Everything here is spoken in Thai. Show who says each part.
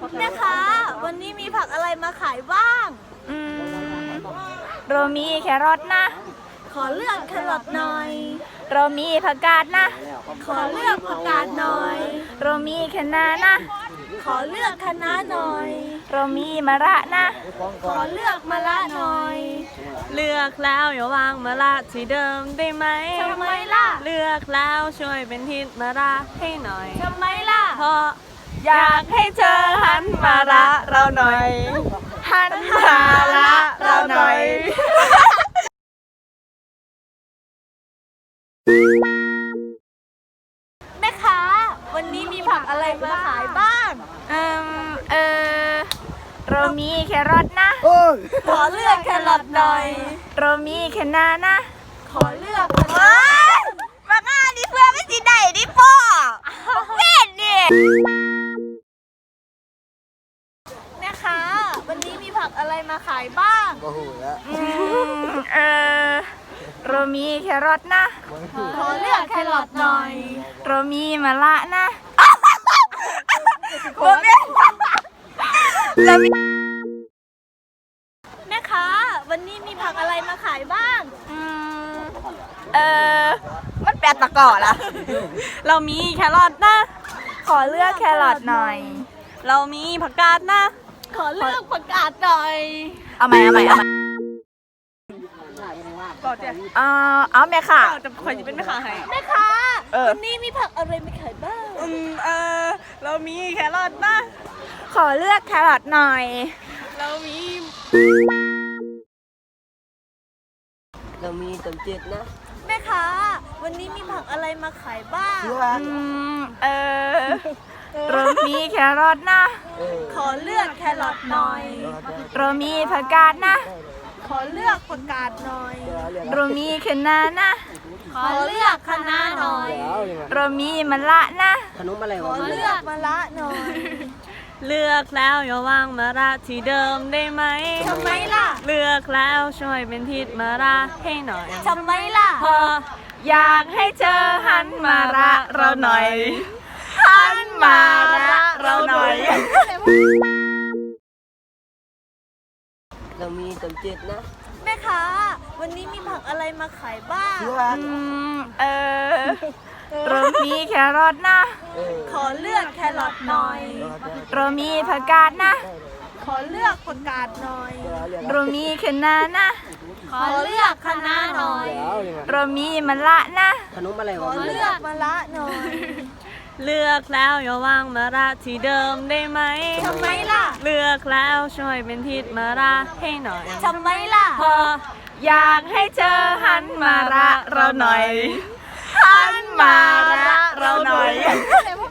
Speaker 1: แม่ค้าวันนี้มีผักอะไรมาขายบ้าง
Speaker 2: เรามีแครอทนะ
Speaker 1: ขอเลือกแครอทหน่อย
Speaker 2: เรามีผักกาดนะ
Speaker 1: ขอเลือกผักกาดหน่อย
Speaker 2: เรามีคะน้านะ
Speaker 1: ขอเลือกคะน้าหน่อย
Speaker 2: เรามีมะระนะ
Speaker 1: ขอเลือกมะระหน่อย
Speaker 3: เลือกแล้วอย่าวางมะระที่เดิมได้ไหม
Speaker 1: ทำไมล่ะ
Speaker 3: เลือกแล้วช่วยเป็นทิศมะระให้หน่อย
Speaker 1: ทำไมล่ะ
Speaker 3: เพราะอยากให้เธอหันมาระเราหน่อย
Speaker 2: หันมาละเราหน่อย
Speaker 1: แม่ค้าวันนี้มีผักอะไรมาขายบ้าง
Speaker 2: เรามีแครอทนะ
Speaker 1: ขอเลือกแครอทหน่อย
Speaker 2: เรามีคะน้านะ
Speaker 1: ขอเลือกคะน้า
Speaker 2: มาง่าดิเพื่อนไม่สิได้ดิพ่อเว้นดิ
Speaker 1: แม่ค้าวันนี้มีผักอะไรมาขายบ้าง
Speaker 2: เรามีแครอทนะ
Speaker 1: ขอเลือกแครอทหน่อย
Speaker 2: เรามีมะระนะ
Speaker 1: แม่ค้าวันนี้มีผักอะไรมาขายบ้าง
Speaker 2: มันแปลตะกอละ
Speaker 3: เรามีแครอทนะ
Speaker 2: ขอเลือกแครอทหน่อย
Speaker 3: เรามีผักกาดนะ
Speaker 1: ขอเลือกผักกาดหน่อย
Speaker 2: เอาใหม่เอาแม่ค่ะ
Speaker 3: จะคอยจะเป็นแม่ค้าให้
Speaker 1: แม่ค้า
Speaker 2: เออ
Speaker 1: วันนี้มีผักอะไรมาขายบ้าง
Speaker 3: เรามีแครอทนะ
Speaker 2: ขอเลือกแครอทหน่อย
Speaker 3: เรามี
Speaker 4: ต้มจืดนะ
Speaker 1: แม่ค้าวันนี้มีผักอะไรมาขายบ้าง
Speaker 2: เรามีแครอทนะ
Speaker 1: ขอเลือกแครอทหน่อย
Speaker 2: เรามีผักกาดนะ
Speaker 1: ขอเลือกผักกาดหน่อย
Speaker 2: เรามีคะน้านะ
Speaker 1: ขอเลือกคะน้าหน่อย
Speaker 2: เรามีมะระนะ
Speaker 4: ขนมอะไร
Speaker 1: ขอ
Speaker 4: วะ
Speaker 1: เลือกมะระหน่อย
Speaker 3: เลือกแล้วอย่าวางมะระที่เดิมได้ไหม
Speaker 1: ทำไมล่ะ
Speaker 3: เลือกแล้วช่วยเป็นทิศมะระให้หน่อย
Speaker 1: ทำไมล่ะ
Speaker 3: เพราะ
Speaker 2: อยากให้เธอหันมาระเราหน่อย หันมาระเราหน่อย
Speaker 4: เรามีต้มจืดนะ
Speaker 1: แม่ค้าวันนี้มีผักอะไรมาขายบ้าง
Speaker 2: เรามีแครอทนะ
Speaker 1: ขอเลือกแครอทหน่อย
Speaker 2: เรามีผักกาดนะ
Speaker 1: ขอเลือกผักกาดหน่อย
Speaker 2: เรามีคะน้านะ
Speaker 1: ขอเลือกคะน้าหน่อย
Speaker 2: เรามีมะระนะ
Speaker 4: ขนมอะไร
Speaker 1: ข
Speaker 4: วะ
Speaker 1: อเลือกมะระหน่อย
Speaker 3: เลือกแล้วอย่าวางมะระที่เดิมได้ไหม
Speaker 1: ทำไมล่ะ
Speaker 3: เลือกแล้วช่วยเป็นทิศมะระให้หน่อย
Speaker 1: ทำไมล่ะ
Speaker 3: เพราะ
Speaker 2: อยากให้เธอหันมาระเราหน่อย หันมาระเราหน่อย